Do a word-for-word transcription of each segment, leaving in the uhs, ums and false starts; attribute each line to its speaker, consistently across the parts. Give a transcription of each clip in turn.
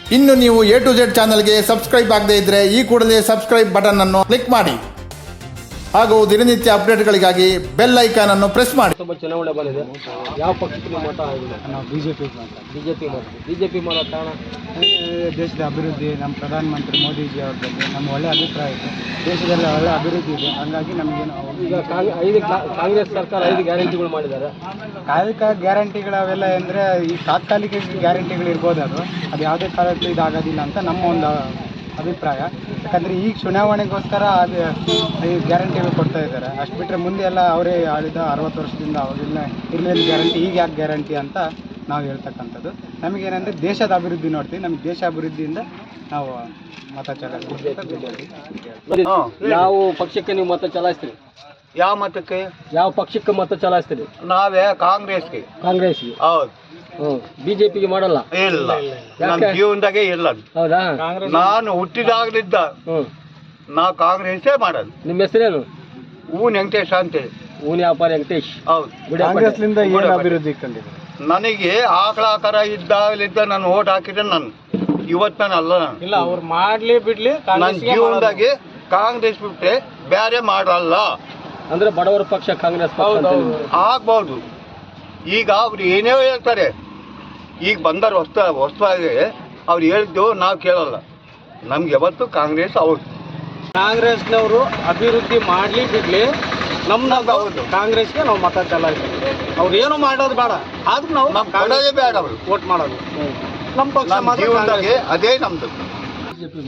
Speaker 1: ಇನ್ನು ನೀವು A to Z ಚಾನಲ್ಗೆ ಸಬ್ಸ್ಕ್ರೈಬ್ ಆಗದೇ ಇದ್ದರೆ ಈ ಕೂಡಲೇ ಸಬ್ಸ್ಕ್ರೈಬ್ ಬಟನ್ ಅನ್ನು ಕ್ಲಿಕ್ ಮಾಡಿ ಹಾಗೂ ದಿನನಿತ್ಯ ಅಪ್ಡೇಟ್ಗಳಿಗಾಗಿ ಬೆಲ್ ಐಕಾನ್ ಅನ್ನು ಪ್ರೆಸ್ ಮಾಡಿ.
Speaker 2: ತುಂಬ ಚುನಾವಣೆ ಬಂದಿದೆ. ಯಾವ ಪಕ್ಷಕ್ಕೆ ನೀವು ಮತ ಆಗಿದೆ?
Speaker 3: ನಾವು B J P
Speaker 2: B J P ಮಾಡ್ತೀವಿ. ಬಿ ಜೆ ಪಿ ಮಾಡೋ ಕಾರಣ
Speaker 3: ದೇಶದ ಅಭಿವೃದ್ಧಿ, ನಮ್ಮ ಪ್ರಧಾನಮಂತ್ರಿ ಮೋದಿಜಿ ಅವ್ರ ಬಗ್ಗೆ ನಮ್ಮ ಒಳ್ಳೆ ಅಭಿಪ್ರಾಯ ಇದೆ. ದೇಶದಲ್ಲಿ ಒಳ್ಳೆ ಅಭಿವೃದ್ಧಿ ಇದೆ, ಹಂಗಾಗಿ ನಮಗೇನು
Speaker 2: ಈಗ ಐದು ಕಾಂಗ್ರೆಸ್ ಸರ್ಕಾರ ಐದು ಗ್ಯಾರಂಟಿಗಳು ಮಾಡಿದ್ದಾರೆ.
Speaker 3: ಕಾಲಿಕ ಗ್ಯಾರಂಟಿಗಳು ಅವೆಲ್ಲ ಅಂದರೆ ಈ ತಾತ್ಕಾಲಿಕ ಗ್ಯಾರಂಟಿಗಳು ಇರ್ಬೋದು, ಅದು ಅದು ಯಾವುದೇ ಕಾಲಕ್ಕೂ ಇದಾಗೋದಿಲ್ಲ ಅಂತ ನಮ್ಮ ಒಂದು ಅಭಿಪ್ರಾಯ. ಯಾಕಂದರೆ ಈಗ ಚುನಾವಣೆಗೋಸ್ಕರ ಅದು ಈ ಗ್ಯಾರಂಟಿಗಳು ಕೊಡ್ತಾ ಇದ್ದಾರೆ. ಅಷ್ಟು ಬಿಟ್ಟರೆ ಮುಂದೆ ಎಲ್ಲ ಅವರೇ ಆಳಿದ ಅರವತ್ತು ವರ್ಷದಿಂದ ಅವಾಗೆಲ್ಲ ಇರಲಿಲ್ಲ ಗ್ಯಾರಂಟಿ, ಈಗ ಯಾಕೆ ಗ್ಯಾರಂಟಿ ಅಂತ ನಾವು ಹೇಳ್ತಕ್ಕಂಥದ್ದು. ನಮಗೇನಂದರೆ ದೇಶದ ಅಭಿವೃದ್ಧಿ ನೋಡ್ತೀವಿ. ನಮಗೆ ದೇಶ ಅಭಿವೃದ್ಧಿಯಿಂದ ನಾವು ಮತ ಚಲಾಯಿಸ್ತೀವಿ.
Speaker 2: ಯಾವ ಪಕ್ಷಕ್ಕೆ ನೀವು ಮತ ಚಲಾಯಿಸ್ತೀರಿ?
Speaker 4: ಯಾವ ಮತಕ್ಕೆ?
Speaker 2: ಯಾವ ಪಕ್ಷಕ್ಕೆ ಮತ ಚಲಾಯಿಸ್ತೀರಿ?
Speaker 4: ನಾವೇ ಕಾಂಗ್ರೆಸ್ಗೆ.
Speaker 2: ಕಾಂಗ್ರೆಸ್ಗೆ?
Speaker 4: ಹೌದು.
Speaker 2: ಹ್ಞೂ. ಬಿಜೆಪಿಗೆ ಮಾಡಲ್ಲ?
Speaker 4: ಇಲ್ಲ, ನನ್ನ ಜೀವನದಾಗೆ ಇಲ್ಲ.
Speaker 2: ಹೌದಾ?
Speaker 4: ನಾನು ಹುಟ್ಟಿದಾಗಲಿದ್ದ
Speaker 2: ಹ್ಞೂ
Speaker 4: ನಾವು ಕಾಂಗ್ರೆಸ್ಸೇ ಮಾಡೋದು.
Speaker 2: ನಿಮ್ಮ ಹೆಸರೇನು?
Speaker 4: ಊನ್ ವೆಂಕಟೇಶ್ ಅಂತೇಳಿ.
Speaker 2: ಊನಿ ವ್ಯಾಪಾರಿ ವೆಂಕಟೇಶ್.
Speaker 4: ಹೌದು.
Speaker 3: ಕಾಂಗ್ರೆಸ್ಲಿಂದ ಏನು ಅಭಿವೃದ್ಧಿ ಕಂಡಿದೆ?
Speaker 4: ನನಗೆ ಆಕಳ ಆಕಾರ ಇದ್ದಾಗಲಿದ್ದ ನಾನು ಓಟ್ ಹಾಕಿದ್ರೆ ನಾನು ಇವತ್ತು ನಾನು ಅಲ್ಲ. ನಾನು
Speaker 3: ಇಲ್ಲ, ಅವ್ರು ಮಾಡಲಿ ಬಿಡ್ಲಿ,
Speaker 4: ನನ್ನ ಜೀವನದಾಗೆ ಕಾಂಗ್ರೆಸ್ ಬಿಟ್ಟರೆ ಬೇರೆ ಮಾಡಲ್ಲ.
Speaker 2: ಅಂದ್ರೆ ಬಡವರ ಪಕ್ಷ ಕಾಂಗ್ರೆಸ್
Speaker 4: ಆಗ್ಬಹುದು. ಈಗ ಅವ್ರು ಏನೇ ಹೇಳ್ತಾರೆ, ಈಗ ಬಂದವ್ರು ಹೊಸ ಹೊಸದಾಗಿ ಅವ್ರು ಹೇಳಿದ್ದು ನಾವು ಕೇಳಲ್ಲ. ನಮ್ಗೆ ಯಾವತ್ತು ಕಾಂಗ್ರೆಸ್ ಅವ್ರು
Speaker 3: ಕಾಂಗ್ರೆಸ್ನವರು ಅಭಿವೃದ್ಧಿ ಮಾಡಲಿ ಬಿಡ್ಲಿ, ನಮ್ದು ಹೌದು ಕಾಂಗ್ರೆಸ್ಗೆ ನಾವು ಮತ ಚಲಾಯಿಸ್ತೀವಿ. ಅವ್ರು ಏನು ಮಾಡೋದು ಬೇಡ, ಆದ್ರೂ ನಾವು
Speaker 4: ನಮ್ಗೆ ಕೊಡೋದೇ ಬೇಡ, ಅವರು
Speaker 3: ವೋಟ್ ಮಾಡೋದು ನಮ್ಮ ಪಕ್ಷ.
Speaker 4: ನಮ್ಮ ಜೀವನದಾಗೆ ಅದೇ ನಮ್ದು.
Speaker 2: ಬಿಜೆಪಿ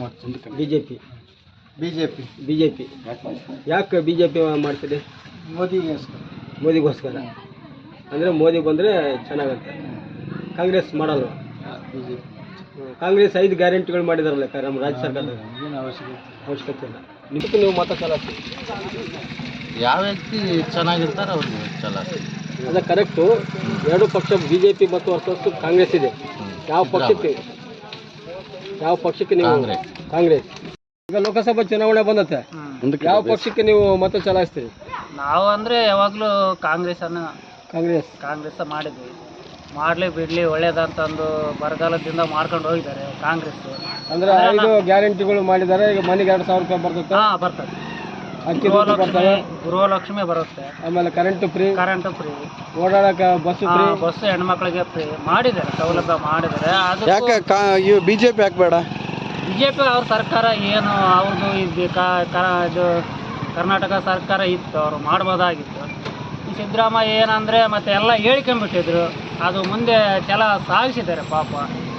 Speaker 3: ಬಿಜೆಪಿ
Speaker 2: ಬಿಜೆಪಿ ಯಾಕೆ ಬಿಜೆಪಿ ಮಾಡ್ತಿದೆ?
Speaker 3: ಮೋದಿಗೋಸ್ಕರ.
Speaker 2: ಮೋದಿಗೋಸ್ಕರ ಅಂದರೆ ಮೋದಿ ಬಂದರೆ ಚೆನ್ನಾಗತ್ತೆ. ಕಾಂಗ್ರೆಸ್ ಮಾಡಲ್ಲ.
Speaker 3: ಬಿಜೆಪಿ
Speaker 2: ಕಾಂಗ್ರೆಸ್ ಐದು ಗ್ಯಾರಂಟಿಗಳು ಮಾಡಿದಾರಲ್ಲ ನಮ್ಮ ರಾಜ್ಯ ಸರ್ಕಾರದ.
Speaker 3: ಏನು ಅವಶ್ಯಕತೆ
Speaker 2: ಅವಶ್ಯಕತೆ ಇಲ್ಲ. ನಿಮಗೆ ನೀವು ಮತ ಚಲಾಯಿಸಿ.
Speaker 5: ಯಾವ ವ್ಯಕ್ತಿ ಚೆನ್ನಾಗಿರ್ತಾರೆ ಅವ್ರಿಗೆ ಚಲಾಯಿಸಿ.
Speaker 2: ಅದೇ ಕರೆಕ್ಟು. ಎರಡು ಪಕ್ಷ ಬಿ ಜೆ ಪಿ ಮತ್ತು ಹೊರತು ಕಾಂಗ್ರೆಸ್ ಇದೆ. ಯಾವ ಪಕ್ಷಕ್ಕೆ ಯಾವ ಪಕ್ಷಕ್ಕೆ ನೀವು?
Speaker 5: ಕಾಂಗ್ರೆಸ್.
Speaker 2: ಕಾಂಗ್ರೆಸ್. ಈಗ ಲೋಕಸಭಾ ಚುನಾವಣೆ ಬಂದತ್ತೆ, ಯಾವ ಪಕ್ಷಕ್ಕೆ ನೀವು ಮತ ಚಲಾಯಿಸ್ತೀರಿ?
Speaker 6: ನಾವು ಅಂದರೆ ಯಾವಾಗಲೂ ಕಾಂಗ್ರೆಸ್ಸನ್ನು
Speaker 2: ಕಾಂಗ್ರೆಸ್
Speaker 6: ಕಾಂಗ್ರೆಸ್ ಮಾಡಿದ್ವಿ. ಮಾಡಲಿ ಬಿಡಲಿ ಒಳ್ಳೇದಂತಂದು ಬರಗಾಲದಿಂದ ಮಾಡ್ಕೊಂಡು ಹೋಗಿದ್ದಾರೆ ಕಾಂಗ್ರೆಸ್.
Speaker 2: ಅಂದ್ರೆ ಐದು ಗ್ಯಾರಂಟಿಗಳು ಮಾಡಿದ್ದಾರೆ. ಈಗ ಮನೆಗೆ ಎರಡು ಸಾವಿರ ರೂಪಾಯಿ ಬರ್ತದೆ.
Speaker 6: ಹಾಂ ಬರ್ತದೆ.
Speaker 2: ಅಕ್ಕಿ ದುಡ್ಡು ಬರ್ತವೆ.
Speaker 6: ಗೃಹಲಕ್ಷ್ಮಿ ಬರುತ್ತೆ.
Speaker 2: ಆಮೇಲೆ ಕರೆಂಟ್ ಫ್ರೀ.
Speaker 6: Current free.
Speaker 2: ಓಡಾಡಕ್ಕೆ ಬಸ್ ಫ್ರೀ.
Speaker 6: ಬಸ್ ಹೆಣ್ಮಕ್ಳಿಗೆ ಫ್ರೀ ಮಾಡಿದ್ದಾರೆ, ಸೌಲಭ್ಯ ಮಾಡಿದ್ದಾರೆ. ಅದು
Speaker 3: ಯಾಕೆ ಬಿಜೆಪಿ ಯಾಕೆ ಬೇಡ?
Speaker 6: ಬಿ ಜೆ ಪಿ ಅವ್ರ ಸರ್ಕಾರ ಏನು ಅವ್ರದ್ದು ಇದು ಇದು ಕರ್ನಾಟಕ ಸರ್ಕಾರ ಇತ್ತು, ಅವರು ಮಾಡ್ಬೋದಾಗಿತ್ತು. ಈ ಸಿದ್ದರಾಮಯ್ಯ ಏನಂದರೆ ಮತ್ತೆ ಎಲ್ಲ ಹೇಳ್ಕೊಂಬಿಟ್ಟಿದ್ರು, ಅದು ಮುಂದೆ ಛಲ ಸಾಗಿಸಿದ್ದಾರೆ ಪಾಪ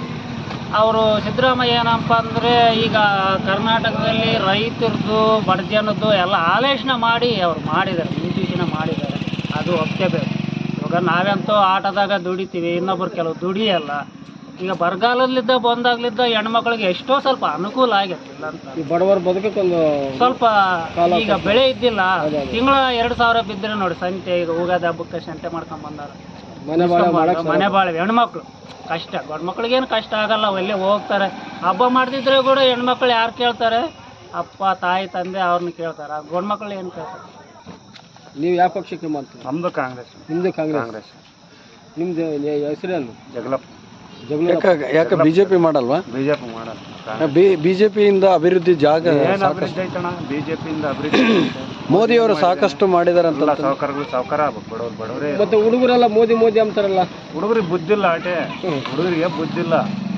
Speaker 6: ಅವರು. ಸಿದ್ದರಾಮಯ್ಯ ಏನಪ್ಪ ಅಂದರೆ ಈಗ ಕರ್ನಾಟಕದಲ್ಲಿ ರೈತರದ್ದು ಬಡ ಜನದ್ದು ಎಲ್ಲ ಆಲೋಚನೆ ಮಾಡಿ ಅವ್ರು ಮಾಡಿದ್ದಾರೆ, ಮುಂಚೂಚನೆ ಮಾಡಿದ್ದಾರೆ. ಅದು ಒಪ್ಕೋಬೇಕು. ಇವಾಗ ನಾವಂತೂ ಆಟದಾಗ ದುಡಿತೀವಿ, ಇನ್ನೊಬ್ರು ಕೆಲವು ದುಡಿಯಲ್ಲ. ಈಗ ಬರಗಾಲದಲ್ಲಿದ್ದ ಬಂದಾಗ್ಲಿದ್ದ ಹೆಣ್ಮಕ್ಳಿಗೆ ಎಷ್ಟೋ ಸ್ವಲ್ಪ ಅನುಕೂಲ ಆಗೈತಿಲ್ಲ ಅಂತ.
Speaker 2: ಈ ಬಡವರ ಬದುಕಕ್ಕೊಂದು
Speaker 6: ಸ್ವಲ್ಪ ಈಗ ಬೆಳೆ ಇದ್ದಿಲ್ಲ, ತಿಂಗಳ ಎರಡು ಸಾವಿರ ಬಿದ್ದರೆ ನೋಡಿ ಸಂತೆ. ಈಗ ಹೋಗೋದು ಹಬ್ಬಕ್ಕೆ ಸಂತೆ ಮಾಡ್ಕೊಂಡ್ ಬಂದಾರ.
Speaker 2: ಮನೆ ಬಾಳೆ
Speaker 6: ಮನೆ ಬಾಳೆ ಹೆಣ್ಮಕ್ಳು ಕಷ್ಟ. ಗಂಡು ಮಕ್ಳಿಗೇನು ಕಷ್ಟ ಆಗಲ್ಲ, ಅವೆಲ್ಲೇ ಹೋಗ್ತಾರೆ. ಹಬ್ಬ ಮಾಡ್ತಿದ್ರೆ ಕೂಡ ಹೆಣ್ಮಕ್ಳು ಯಾರು ಕೇಳ್ತಾರೆ? ಅಪ್ಪ ತಾಯಿ ತಂದೆ ಅವ್ರನ್ನ ಕೇಳ್ತಾರೆ. ಗಂಡು ಮಕ್ಳು ಏನು ಕೇಳ್ತಾರೆ?
Speaker 2: ನೀವು ಯಾವ ಪಕ್ಷಕ್ಕೆ ಮಾಡ್ತೀರಿ?
Speaker 3: ನಮ್ದು ಕಾಂಗ್ರೆಸ್.
Speaker 2: ನಿಮ್ಮದು ಕಾಂಗ್ರೆಸ್. ನಿಮ್ಮದು ಹೆಸರೇನು?
Speaker 3: ಜಗಳಪ್ಪ.
Speaker 5: ಯಾಕೆ ಬಿಜೆಪಿ ಮಾಡಲ್ವಾ?
Speaker 3: ಬಿಜೆಪಿ ಮಾಡಲ್ಲ.
Speaker 5: ಬಿಜೆಪಿಯಿಂದ ಅಭಿವೃದ್ಧಿ ಜಾಗ
Speaker 3: ಏನು ಅಭಿವೃದ್ಧಿ ಐತಣ್ಣ? ಬಿಜೆಪಿಯಿಂದ ಅಭಿವೃದ್ಧಿ
Speaker 5: ಮೋದಿ ಅವರು ಸಾಕಷ್ಟು ಮಾಡಿದಾರಂತ.
Speaker 3: ಸಾವುಕಾರಗಳು ಸಾವುಕಾರ ಆಗ್ಬೇಕು, ಬಡವ್ರು ಬಡವರೇ.
Speaker 2: ಮತ್ತೆ ಹುಡುಗರೆಲ್ಲ ಮೋದಿ ಮೋದಿ ಅಂತಾರಲ್ಲ.
Speaker 3: ಹುಡುಗರಿಗೆ ಬುದ್ಧಿಲ್ಲ ಆಟೆ. ಹುಡುಗರಿಗೆ ಬುದ್ಧಿಲ್ಲ.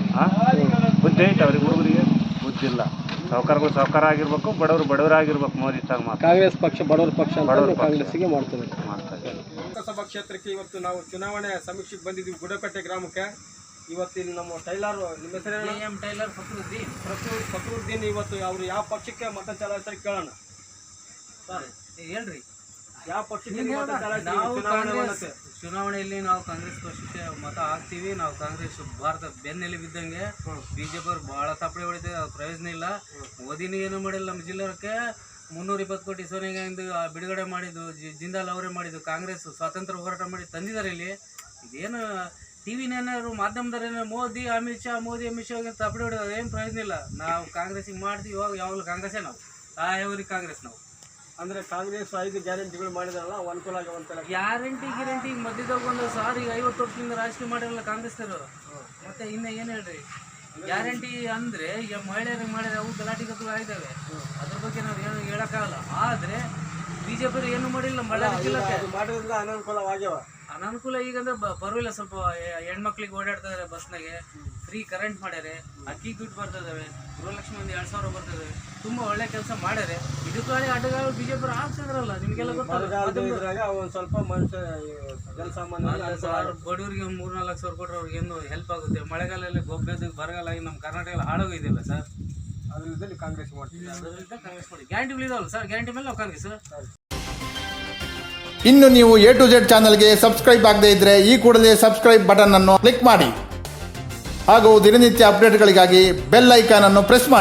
Speaker 3: ಬುದ್ಧಿ ಐತೆ ಅವ್ರಿಗೆ, ಹುಡುಗರಿಗೆ ಬುದ್ಧಿಲ್ಲ. ಸಾವುಕಾರಗಳು ಸಾವುಕಾರ ಆಗಿರ್ಬೇಕು, ಬಡವರು ಬಡವರಾಗಿರ್ಬೇಕು. ಮೋದಿ ತಾಗ ಮಾತ್ರ
Speaker 2: ಕಾಂಗ್ರೆಸ್ ಪಕ್ಷ ಬಡವರ ಪಕ್ಷ ಅಂತ
Speaker 3: ಬಡವರ
Speaker 2: ಕಾಂಗ್ರೆಸ್ಸಿಗೆ ಮಾಡ್ತಾರೆ.
Speaker 3: ಮಾಡ್ತಾರೆ.
Speaker 2: ಲೋಕಸಭಾ ಕ್ಷೇತ್ರಕ್ಕೆ ಇವತ್ತು ನಾವು ಚುನಾವಣೆ ಸಮೀಕ್ಷೆಗೆ ಬಂದಿದ್ದೀವಿ, ಗುಡಕಟ್ಟೆ ಗ್ರಾಮಕ್ಕೆ. ಇವತ್ತಿನ ನಮ್ಮ ಟೈಲರ್, ನಿಮ್ಮ ಹೆಸರು
Speaker 6: ಎಂ ಟೈಲರ್ ಫಕ್ರುದ್ದೀನ್.
Speaker 2: ಫಕ್ರುದ್ದೀನ್ ಇವತ್ತು ಅವರು ಯಾವ ಪಕ್ಷಕ್ಕೆ ಮತ ಚಲಾಯಿಸ್ತಾರೆ ಕೇಳೋಣ.
Speaker 6: ಸರ್ ಹೇಳ್ರಿ,
Speaker 2: ಯಾವ ಪಕ್ಷಕ್ಕೆ ಮತ
Speaker 6: ನಾವು
Speaker 2: ಚಲಾಯಿಸ್ತಾರೆ?
Speaker 6: ಚುನಾವಣೆಯಲ್ಲಿ ನಾವು ಕಾಂಗ್ರೆಸ್ ಪಕ್ಷಕ್ಕೆ ಮತ ಹಾಕ್ತೀವಿ. ನಾವು ಕಾಂಗ್ರೆಸ್ ಭಾರತ ಬೆನ್ನೆಲುಬಿದ್ದಂಗೆ. ಬಿಜೆಪಿ ಅವ್ರು ಭಾಳ ತಪ್ಪಡೆ ಹೊಡಿತಾರೆ, ಪ್ರಯೋಜನ ಇಲ್ಲ. ಮೋದಿನೂ ಏನು ಮಾಡಿಲ್ಲ. ನಮ್ಮ ಜಿಲ್ಲೆಗೆ ಮುನ್ನೂರ ಇಪ್ಪತ್ತು ಕೋಟಿ ಸೋನಿಯಾಗಾಂಧಿ ಬಿಡುಗಡೆ ಮಾಡಿದ್ದು, ಜಿಂದಾಲ್ ಅವರೇ ಮಾಡಿದ್ದು. ಕಾಂಗ್ರೆಸ್ ಸ್ವಾತಂತ್ರ್ಯ ಹೋರಾಟ ಮಾಡಿ ತಂದಿದ್ದಾರೆ. ಇಲ್ಲಿ ಇದೇನು ಟಿ ವಿನೇನಾದ್ರು ಮಾಧ್ಯಮದವ್ರೇನೋ ಮೋದಿ ಅಮಿತ್ ಶಾ ಮೋದಿ ಅಮಿತ್ ಶಾ ತಪ್ಪಡೆ ಹೊಡೆಯೋದು ಏನು ಪ್ರಯೋಜನ ಇಲ್ಲ. ನಾವು ಕಾಂಗ್ರೆಸ್ಸಿಗೆ ಮಾಡ್ತೀವಿ. ಇವಾಗ ಯಾವಾಗಲೂ ಕಾಂಗ್ರೆಸ್ಸೇ ನಾವು ಸಾಯವರಿಗೆ ಕಾಂಗ್ರೆಸ್ ನಾವು.
Speaker 2: ಅಂದ್ರೆ ಕಾಂಗ್ರೆಸ್ ಐದು ಗ್ಯಾರಂಟಿಗಳು ಮಾಡಿದಾರಲ್ಲ, ಅವು ಅನುಕೂಲ ಆಗವಂತಲ್ಲ.
Speaker 6: ಗ್ಯಾರಂಟಿ ಗ್ಯಾರಂಟಿ ಮಧ್ಯದಾಗ ಒಂದು ಸಾರಿ ಐವತ್ತು ವರ್ಷದಿಂದ ರಾಜಕೀಯ ಮಾಡಿರಲ್ಲ ಕಾಂಗ್ರೆಸ್ನವರು. ಮತ್ತೆ ಇನ್ನು ಏನು ಹೇಳ್ರಿ,
Speaker 7: ಗ್ಯಾರಂಟಿ ಅಂದ್ರೆ ಈಗ ಮಹಿಳೆಯರಿಗೆ ಮಾಡಿದ್ರೆ ಅವು ಗಲಾಟೆಗಳು ಆಗಿದ್ದಾವೆ. ಅದ್ರ ಬಗ್ಗೆ ನಾವು ಏನು ಹೇಳಕ್ಕಾಗಲ್ಲ. ಆದ್ರೆ ಬಿಜೆಪಿ ಏನು ಮಾಡಿಲ್ಲ ಮಳೆ
Speaker 2: ಮಾಡೋದ್ರಿಂದ ಅನಾನುಕೂಲವಾಗ್ಯಾವ.
Speaker 7: ಅನಾನುಕೂಲ ಈಗ ಅಂದ್ರೆ ಬರೋಲ್ಲ. ಸ್ವಲ್ಪ ಹೆಣ್ಮಕ್ಳಿಗೆ ಓಡಾಡ್ತಾ ಇದಾರೆ ಬಸ್ನಾಗೆ, ಫ್ರೀ ಕರೆಂಟ್ ಮಾಡ್ಯಾರೆ, ಅಕ್ಕಿ ದುಡ್ಡು ಬರ್ತಾ ಇದಾವೆ, ಗೃಹಲಕ್ಷ್ಮಿ ಒಂದು ಎರಡ್ ಸಾವಿರ ಬರ್ತಾ ಇದಾವೆ. ತುಂಬಾ ಒಳ್ಳೆ ಕೆಲಸ ಮಾಡ್ಯಾರೆ. ಇದಕ್ಕಾಗಿ ಅಡ್ಡಗಾಲ ಬಿಜೆಪಿ ಹಾಕ್ಸಿದ್ರಲ್ಲ, ನಿಮ್ಗೆಲ್ಲ ಗೊತ್ತಾಗ
Speaker 2: ಒಂದ್ ಸ್ವಲ್ಪ ಮನುಷ್ಯ ಜನಸಾಮಾನ್ಯ
Speaker 7: ಬಡವರಿಗೆ ಒಂದು ಮೂರ್ ನಾಲ್ಕು ಸಾವಿರ ಕೊಟ್ಟರೆ ಅವ್ರಿಗೆ ಏನು ಹೆಲ್ಪ್ ಆಗುತ್ತೆ. ಮಳೆಗಾಲದಲ್ಲಿ ಗೊಬ್ಬರ ಬರಗಾಲ ಆಗಿ ನಮ್ಮ ಕರ್ನಾಟಕ ಎಲ್ಲ ಹಾಳಾಗೋಗಿದೆಯಲ್ಲ ಸರ್.
Speaker 2: ಅದರಲ್ಲಿ ಕಾಂಗ್ರೆಸ್ ಮಾಡ್ತೀವಿ.
Speaker 7: ಅದರಿಂದ ಕಾಂಗ್ರೆಸ್ ಮಾಡಿ ಗ್ಯಾರಂಟಿಗಳು ಇದಾವಲ್ಲ ಸರ್, ಗ್ಯಾರಂಟಿ ಮೇಲೆ ನಾವು ಕಾಂಗ್ರೆಸ್.
Speaker 1: ಇನ್ನು ನೀವು ಎ ಟು ಜೆಡ್ ಚಾನಲ್ಗೆ ಸಬ್ಸ್ಕ್ರೈಬ್ ಆಗದೇ ಇದ್ದರೆ ಈ ಕೂಡಲೇ ಸಬ್ಸ್ಕ್ರೈಬ್ ಬಟನ್ ಅನ್ನು ಕ್ಲಿಕ್ ಮಾಡಿ ಹಾಗೂ ದಿನನಿತ್ಯ ಅಪ್ಡೇಟ್ಗಳಿಗಾಗಿ ಬೆಲ್ ಐಕಾನ್ ಅನ್ನು ಪ್ರೆಸ್ ಮಾಡಿ.